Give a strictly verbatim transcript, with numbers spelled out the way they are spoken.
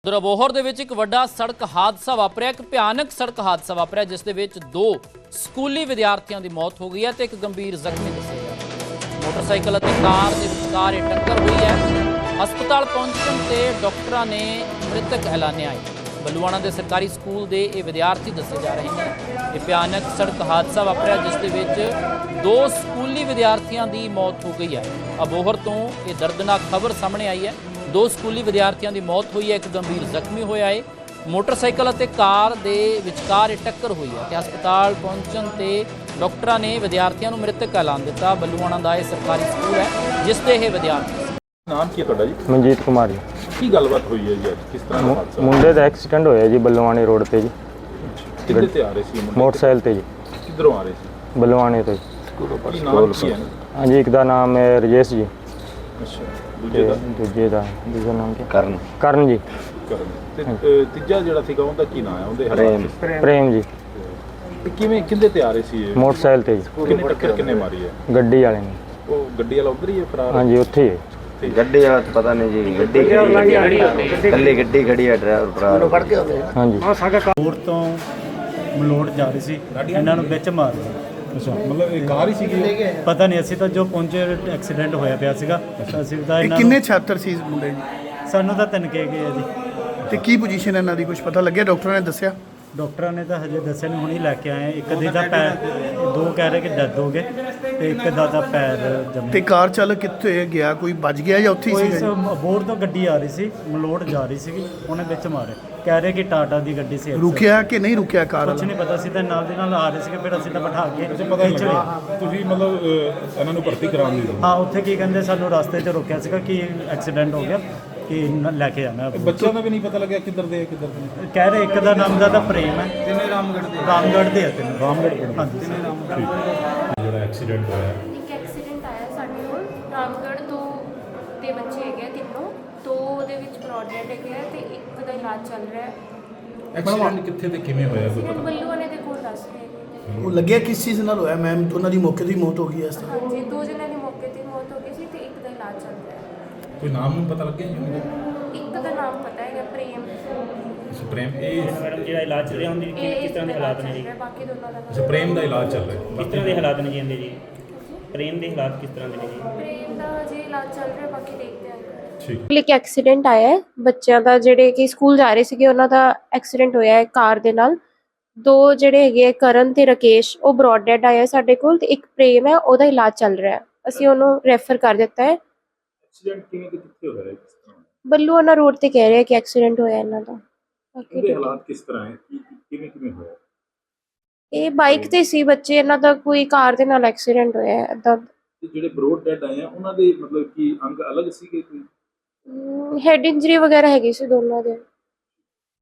ਉਧਰ ਅਬੋਹਰ ਦੇ ਵਿੱਚ ਇੱਕ ਵੱਡਾ ਸੜਕ ਹਾਦਸਾ ਵਾਪਰਿਆ। ਇੱਕ ਭਿਆਨਕ ਸੜਕ ਹਾਦਸਾ ਵਾਪਰਿਆ ਜਿਸ ਦੇ ਵਿੱਚ ਦੋ ਸਕੂਲੀ ਵਿਦਿਆਰਥੀਆਂ ਦੀ ਮੌਤ ਹੋ ਗਈ ਹੈ ਤੇ ਇੱਕ ਗੰਭੀਰ ਜ਼ਖਮੀ ਦੱਸਿਆ ਗਿਆ। ਮੋਟਰਸਾਈਕਲ ਅਤੇ ਕਾਰ ਦੇ ਵਿਚਕਾਰ ਇਹ ਟੱਕਰ ਹੋਈ ਹੈ। ਹਸਪਤਾਲ ਪਹੁੰਚਣ ਤੇ ਡਾਕਟਰਾਂ ਨੇ ਮ੍ਰਿਤਕ ਐਲਾਨਿਆ ਹੈ। ਬੱਲੂਆਣਾ ਦੇ ਸਰਕਾਰੀ ਸਕੂਲ ਦੇ ਇਹ ਵਿਦਿਆਰਥੀ ਦੱਸੇ ਜਾ ਰਹੇ ਨੇ। ਇਹ ਭਿਆਨਕ ਸੜਕ ਹਾਦਸਾ ਵਾਪਰਿਆ ਜਿਸ ਦੇ ਵਿੱਚ ਦੋ ਸਕੂਲੀ ਵਿਦਿਆਰਥੀਆਂ ਦੀ ਮੌਤ ਹੋ ਗਈ ਹੈ। ਅਬੋਹਰ ਤੋਂ ਇਹ ਦਰਦਨਾਕ ਖਬਰ ਸਾਹਮਣੇ ਆਈ ਹੈ। ਦੋ ਸਕੂਲੀ ਵਿਦਿਆਰਥੀਆਂ ਦੀ ਮੌਤ ਹੋਈ ਹੈ, ਇੱਕ ਗੰਭੀਰ ਜ਼ਖਮੀ ਹੋਇਆ ਹੈ। ਮੋਟਰਸਾਈਕਲ ਅਤੇ ਕਾਰ ਦੇ ਵਿਚਕਾਰ ਇਹ ਟੱਕਰ ਹੋਈ ਹੈ ਤੇ ਹਸਪਤਾਲ ਪਹੁੰਚਣ ਤੇ ਡਾਕਟਰਾਂ ਨੇ ਵਿਦਿਆਰਥੀਆਂ ਨੂੰ ਮ੍ਰਿਤਕ ਐਲਾਨ ਦਿੱਤਾ। ਬੱਲੂਆਣਾ ਦਾ ਇਹ ਸਰਕਾਰੀ ਸਕੂਲ ਹੈ ਜਿਸ ਦੇ ਇਹ ਵਿਦਿਆਰਥੀ। ਨਾਮ ਕੀ ਹੈ ਤੁਹਾਡਾ ਜੀ? ਮਨਜੀਤ ਕੁਮਾਰ ਜੀ। ਕੀ ਗੱਲਬਾਤ ਹੋਈ ਹੈ ਜੀ ਅੱਜ? ਕਿਸ ਤਰ੍ਹਾਂ ਦਾ ਹਾਦਸਾ? ਮੁੰਡੇ ਦਾ ਐਕਸੀਡੈਂਟ ਹੋਇਆ ਜੀ ਬੱਲੂਆਣੇ ਰੋਡ ਤੇ ਜੀ। ਕਿੱਥੇ ਤੇ ਆ ਰਹੇ ਸੀ ਮੁੰਡੇ? ਮੋਟਰਸਾਈਕਲ ਤੇ ਜੀ। ਕਿੱਧਰੋਂ ਆ ਰਹੇ ਸੀ? ਬੱਲੂਆਣੇ ਤੋਂ ਜੀ। ਕੀ ਨਾਮ ਕੀ ਹੈ? ਹਾਂਜੀ, ਇੱਕ ਦਾ ਨਾਮ ਹੈ ਰਜੇਸ਼ ਜੀ। ਅੱਛਾ, ਦੂਜੇ ਦਾ? ਦੂਜੇ ਦਾ ਦੂਜਾ ਨਾਮ ਕੀ? ਕਰਨ ਕਰਨ ਜੀ। ਕਰਨ। ਤੇ ਅ, ਤੀਜਾ ਜਿਹੜਾ ਸੀਗਾ ਉਹਦਾ ਕੀ ਨਾਮ ਹੈ? ਉਹਦੇ ਪ੍ਰੇਮ। ਪ੍ਰੇਮ ਜੀ। ਤੇ ਕਿਵੇਂ ਕਿੰਦੇ ਤੇ ਆ ਰਹੇ ਸੀ ਇਹ? ਮੋਟਰਸਾਈਕਲ ਤੇ ਜੀ। ਕਿੰਨੇ ਟੱਕਰ ਕਿੰਨੇ ਮਾਰੀ ਹੈ? ਗੱਡੀ ਵਾਲੇ ਨੇ। ਉਹ ਗੱਡੀ ਵਾਲਾ ਉਧਰ ਹੀ ਹੈ ਫਰਾਰ? ਹਾਂਜੀ, ਉੱਥੇ ਹੀ ਹੈ। ਗੱਡੀ ਵਾਲਾ ਤਾਂ ਪਤਾ ਨਹੀਂ ਜੀ। ਗੱਡੀ ਕੱਲੀ ਗੱਡੀ ਖੜੀ ਹੈ, ਡਰਾਈਵਰ ਫਰਾਰ ਫੜ ਕੇ ਆਉਂਦੇ। ਹਾਂਜੀ। ਮਲੋੜ ਤੋਂ ਮਲੋੜ ਜਾ ਰਹੀ ਸੀ, ਇਹਨਾਂ ਨੂੰ ਵਿੱਚ ਮਾਰ ਦਿੱਤਾ। ਅੱਛਾ, ਮਤਲਬ ਇਹ ਕਾਰ ਹੀ ਸੀਗੀ? ਪਤਾ ਨਹੀਂ, ਅਸੀਂ ਤਾਂ ਜੋ ਪਹੁੰਚੇ ਐਕਸੀਡੈਂਟ ਹੋਇਆ ਪਿਆ ਸੀਗਾ। ਅਸੀਂ ਤਾਂ ਇਹ ਇਹਨਾਂ ਕਿੰਨੇ ਨੂੰ ਛਾਤਰ ਸੀ ਇਸ ਮੁੰਡੇ ਜੀ? ਸਾਨੂੰ ਤਾਂ ਤਿੰਨ ਕਹਿ ਗਏ ਆ ਜੀ। ਤੇ ਕੀ ਪੋਜੀਸ਼ਨ ਇਹਨਾਂ ਦੀ ਕੁਝ ਪਤਾ ਲੱਗਿਆ? ਡਾਕਟਰਾਂ ਨੇ ਦੱਸਿਆ? ਡਾਕਟਰਾਂ ਨੇ ਤਾਂ ਹਜੇ ਦੱਸਿਆ ਨਹੀਂ, ਹੁਣੀ ਲੈ ਕੇ ਆਏ। ਇੱਕ ਦੇ ਦਾ ਪੈਰ, ਦੋ ਕਹਿ ਰਹੇ ਕਿ ਡੈਥ ਹੋ ਗਏ ਤੇ ਇੱਕ ਦਾ ਤਾਂ ਪੈਰ ਜੰਮ ਤੇ ਕਾਰ ਚਾਲਕ ਕਿੱਥੇ ਗਿਆ? ਕੋਈ ਬਚ ਗਿਆ ਜਾਂ ਉੱਥੇ ਹੀ ਕੋਈ ਸੀ? ਬੋਰ ਤੋਂ ਗੱਡੀ ਆ ਰਹੀ ਸੀ, ਮਲੋੜ ਜਾ ਰਹੀ ਸੀਗੀ, ਉਹਨੇ ਵਿੱਚ ਮਾਰੇ। ਕਹਿ ਰਹੇ ਕਿ ਟਾਟਾ ਦੀ ਗੱਡੀ ਸੀ। ਰੁਕਿਆ ਕਿ ਨਹੀਂ ਰੁਕਿਆ ਕਾਰ ਕੁਝ ਵਾਲਾ? ਨਹੀਂ ਪਤਾ ਸੀ, ਤਾਂ ਨਾਲ ਦੇ ਨਾਲ ਆ ਰਹੇ ਸੀਗੇ। ਫਿਰ ਅਸੀਂ ਤਾਂ ਬਿਠਾ ਕੇ ਪਤਾ ਖਿੱਚ ਲਿਆ। ਤੁਸੀਂ ਮਤਲਬ ਅ, ਇਹਨਾਂ ਨੂੰ ਭਰਤੀ ਕਰਾਉਣ ਦੀ? ਹਾਂ, ਉੱਥੇ ਕੀ ਕਹਿੰਦੇ, ਸਾਨੂੰ ਰਸਤੇ 'ਚ ਰੋਕਿਆ ਸੀਗਾ ਕਿ ਐਕਸੀਡੈਂਟ ਹੋ ਗਿਆ, ਕਿ ਨ- ਲੈ ਕੇ ਜਾਣਾ। ਬੱਚਿਆਂ ਦਾ ਵੀ ਨਹੀਂ ਪਤਾ ਲੱਗਿਆ ਕਿੱਧਰ ਦੇ ਕਿੱਧਰ ਦੇ? ਕਹਿ ਰਹੇ ਇੱਕ ਦਾ ਨਾਮ ਦਾ ਤਾਂ ਪ੍ਰੇਮ ਹੈ, ਤਿੰਨੇ ਰਾਮਗੜ੍ਹ ਦੇ ਰਾਮਗੜ੍ਹ ਦੇ ਆ ਤਿੰਨੇ। ਰਾਮਗੜ੍ਹ ਪਿੰਡ। ਹਾਂਜੀ। ਜਿਹੜਾ ਐਕਸੀਡੈਂਟ ਹੋਇਆ ਇੱਕ ਐਕਸੀਡੈਂਟ ਆਇਆ ਸਾਡੇ ਕੋਲ ਰਾਮਗੜ੍ਹ ਤੋਂ ਦੇ ਬੱਚੇ ਹੈਗੇ ਆ ਤਿੰਨੋਂ, ਦੋ ਉਹਦੇ ਵਿੱਚ ਬ੍ਰੌਡਹੈਡ ਹੈਗੇ ਆ ਤੇ ਇੱਕ ਦਾ ਇਲਾਜ ਚੱਲ ਰਿਹਾ ਹੈ। ਐਕਸੀਡੈਂਟ ਕਿੱਥੇ ਤੇ ਕਿਵੇਂ ਹੋਇਆ ਕੋਈ ਐਕਸੀਡੈਂਟ ਪਤਾ? ਬੱਲੂਆਣੇ ਦੇ ਕੋਲ ਦੱਸ ਰਹੇ ਹੈਗੇ। ਉਹ ਲੱਗਿਆ ਕਿਸ ਚੀਜ਼ ਨਾਲ ਹੋਇਆ ਮੈਮ? ਉਹਨਾਂ ਦੀ ਮੌਕੇ ਦੀ ਮੌਤ ਹੋ ਗਈ ਇਸ ਤਰ੍ਹਾਂ? ਹਾਂਜੀ, ਦੋ ਜਣਿਆਂ ਦੀ ਮੌਕੇ ਤੇ ਮੌਤ ਹੋ ਗਈ ਸੀ ਤੇ ਇੱਕ ਦਾ ਇਲਾਜ ਚੱਲ ਰਿਹਾ ਹੈ। ਕੋਈ ਨਾਮ ਨੂੰ ਪਤਾ ਲੱਗਿਆ ਜੀ? ਇੱਕ ਦਾ ਨਾਮ ਪਤਾ ਹੈਗਾ, ਪ੍ਰੇਮ। ਸੁਪਰੀਮ ਇਹ ਮੈਡਮ ਜਿਹੜਾ ਇਲਾਜ ਚੱਲ ਰਿਹਾ ਉਹਦੀ ਇਹ ਕਿਸ ਤਰ੍ਹਾਂ ਦੇ ਹਾਲਾਤ ਨੇ ਜੀ? ਬਾਕੀ ਦੋਨਾਂ ਦਾ ਸੁਪਰੀਮ ਦਾ ਇਲਾਜ ਚੱਲ ਰਿਹਾ। ਕਿਸ ਤਰ੍ਹਾਂ ਦੇ ਹਾਲਾਤ ਨੇ ਜੀ ਇਹਦੇ ਜੀ? ਪ੍ਰੇਮ ਦੇ ਹਾਲਾਤ ਕਿਸ ਤਰ੍ਹਾਂ ਦੇ ਨੇ ਜੀ? ਪ੍ਰੇਮ ਦਾ ਜੇ ਇਲਾਜ ਚੱਲ ਰਿਹਾ, ਬਾਕੀ ਦੇਖਦੇ ਹਾਂ। ਠੀਕ। ਇੱਕ ਐਕਸੀਡੈਂਟ ਆਇਆ ਹੈ ਬੱਚਿਆਂ ਦਾ, ਜਿਹੜੇ ਕਿ ਸਕੂਲ ਜਾ ਰਹੇ ਸੀਗੇ, ਉਹਨਾਂ ਦਾ ਐਕਸੀਡੈਂਟ ਹੋਇਆ ਹੈ ਕਾਰ ਦੇ ਨਾਲ। ਦੋ ਜਿਹੜੇ ਹੈਗੇ ਆ, ਕਰਨ ਤੇ ਰਕੇਸ਼, ਉਹ ਬ੍ਰੌਡ ਡੈਡ ਆਇਆ ਸਾਡੇ ਕੋਲ, ਤੇ ਇੱਕ ਪ੍ਰੇਮ ਹੈ, ਉਹਦਾ ਇਲਾਜ ਚੱਲ ਰਿਹਾ ਹੈ। ਅਸੀਂ ਉਹਨੂੰ ਰੈਫਰ ਕਰ ਦਿੱਤਾ ਹੈ। ਐਕਸੀਡੈਂਟ ਕਿਵੇਂ ਤੇ ਕਿੱਥੇ ਹੋਇਆ ਹੈ? ਕਿਸ ਤਰ੍ਹਾਂ? ਬੱਲੂਆਣਾ ਰੋਡ ਤੇ ਕਹਿ ਰਹੇ ਕਿ ਐਕਸੀਡੈਂਟ ਹੋਇਆ ਇਹਨਾਂ ਦਾ। ਬਾਕੀ ਇਹਦੇ ਹਾਲਾਤ ਕਿਸ ਤਰ੍ਹਾਂ ਹੈ? ਕੀ- ਕਿਵੇਂ ਕਿਵੇਂ ਹੋਇਆ? ਇਹ ਬਾਈਕ ਤੇ ਸੀ ਬੱਚੇ, ਇਹਨਾਂ ਦਾ ਕੋਈ ਕਾਰ ਦੇ ਨਾਲ ਐਕਸੀਡੈਂਟ ਹੋਇਆ ਹੈ ਏਦਾਂ। ਤੇ ਜਿਹੜੇ ਬਰੋਡ ਡੈਡ ਆਏ ਆ ਉਹਨਾਂ ਦੇ ਮਤਲਬ ਕੀ ਅੰਗ ਅਲੱਗ ਸੀਗੇ ਕੋਈ? ਹੈਡ ਇੰਜਰੀ ਵਗੈਰਾ ਹੈਗੀ ਸੀ ਦੋਨਾਂ ਦੇ।